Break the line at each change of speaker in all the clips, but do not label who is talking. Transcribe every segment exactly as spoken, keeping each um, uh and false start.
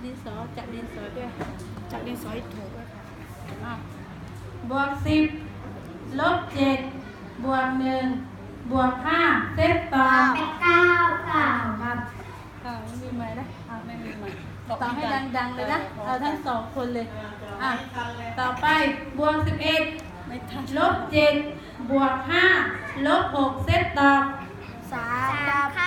ดินสอจับดินสอด้วยจับดินสอให้ถูกด้วยค่ะอ่ะ
บวกสิบลบเจ็ดบวกหนึ่งบวกห้าเซตต่อ
เป็นเก้าค่ะ
ครับ
อ่าไม่มีไหมนะอ่าไม่มีไหม
ต่อให้ดังๆเลยนะเราทั้งสองคนเลยอ่ะต่อไปบวกสิบเอ็ด
ไม่ทัน
ลบเจ็ดบวกห้าลบหกเซตต่อ
สามครับ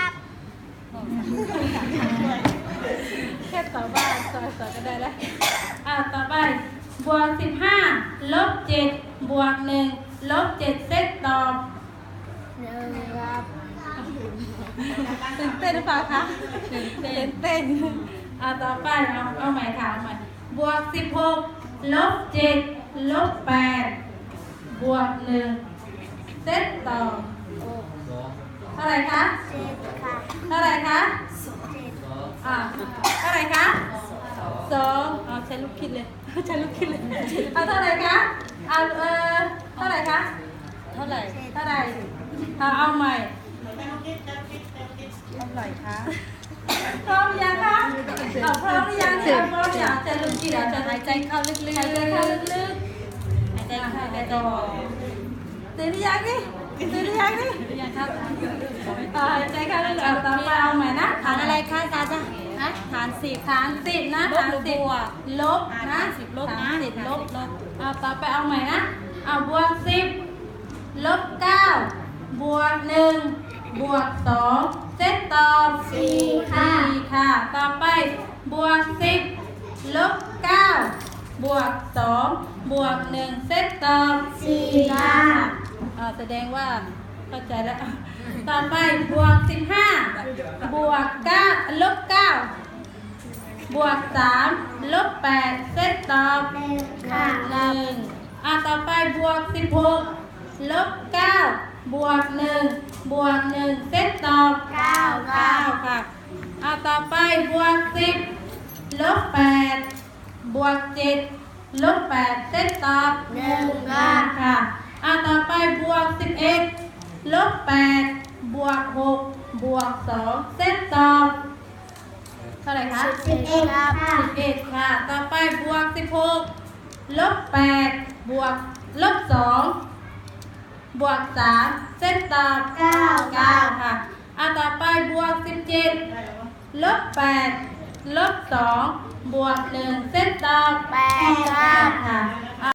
แค่ต่อบ้านต่อต่อก็ได้แล้วอ่ะต่อไปบวกสิบห้าลบเจ็ดบวกหนึ่งลบเจ็ดเซตต่อ
หนึ่งครับ
ตื่นเต้นหรือเปล่าคะ
ตื่นเต้
ตื่
น
นเต้นอ่ะต่อไปเอาเอาใหม่ถามใหม่บวกสิบหกลบเจ็ดลบแปดบวกหนึ่งเซตต่อเท่าไหร่คะ
เจ็ดค่ะ
เท่าไหร่คะ
เจ็ด
อ่าเท่าไหร่คะสองเอาใช้ลูกคิดเลย ใช้ลูกคิดเลยเอาเท่าไหร่คะเอาเออเท่าไหร่คะ
เท่าไหร่
เท่าไหร่เอาเอาใหม่
เท่าไหร่คะ
พร้อมยังคะเอาพร้อมหรือยังเนี่ยพร้อมยังจะลูกคิดเดี๋ยวจะ
หายใจเข้าลึกๆ
หายใจเข้าลึก
หายใจเข้าหายใจออก
ๆตื่นหรือยังนี่ตื่นหรือยังนี่
หรือยังครับ
เอาหายใจเข้าลึกๆเอาต่อไปเอาใหม่นะ
ฐานอะไรคะอาจารย์จ๊ะ
ฮะ
ฐานสิบ
ฐานสิบนะ
ลบ
ฐาน
หรือ
สิบบ
วก
ลบ
อ่า
นะ
ฐานสิบลบนะ
ฐานสิบลบ
ลบ
เอาต่อไปเอาใหม่นะเอาบวกสิบลบเก้าบวกหนึ่งบวกสองเซตตอบสี่ค่ะค่ะต่อไปบวกสิบลบเก้าบวกสองบวกหนึ่งเซตตอบสี่ค่ะอ่าแสดงว่าเข้าใจแล้วต่อไปบวกสิบห้าบวกเก้าลบเก้าบวกสามลบแปดเซตตอบ
หนึ่งค่ะ
หนึ่งอ่ะต่อไปบวกสิบหกลบเก้าบวกหนึ่งบวกหนึ่งเซตตอบ
เก้าค่ะ
เก้าค่ะอ่ะต่อไปบวกสิบลบแปดบวกเจ็ดลบแปดเซตตอบ
หนึ่งค่ะ
ค่ะอ่ะต่อไปบวกสิบเอ็ดลบแปดบวกหกบวกสองเซตตอบเท่าไหร่คะ
สิบเอ็ดครับ
สิบเอ็ดค่ะ ต่อไปบวกสิบหกลบแปดบวกลบสองบวกสามเส้นตอบ
เก้า
เก้าค่ะอ่ะต่อไปบวกสิบเจ็ดลบแปดลบสองบวกหนึ่งเส้นตอบ
แปดครับ
ค่ะ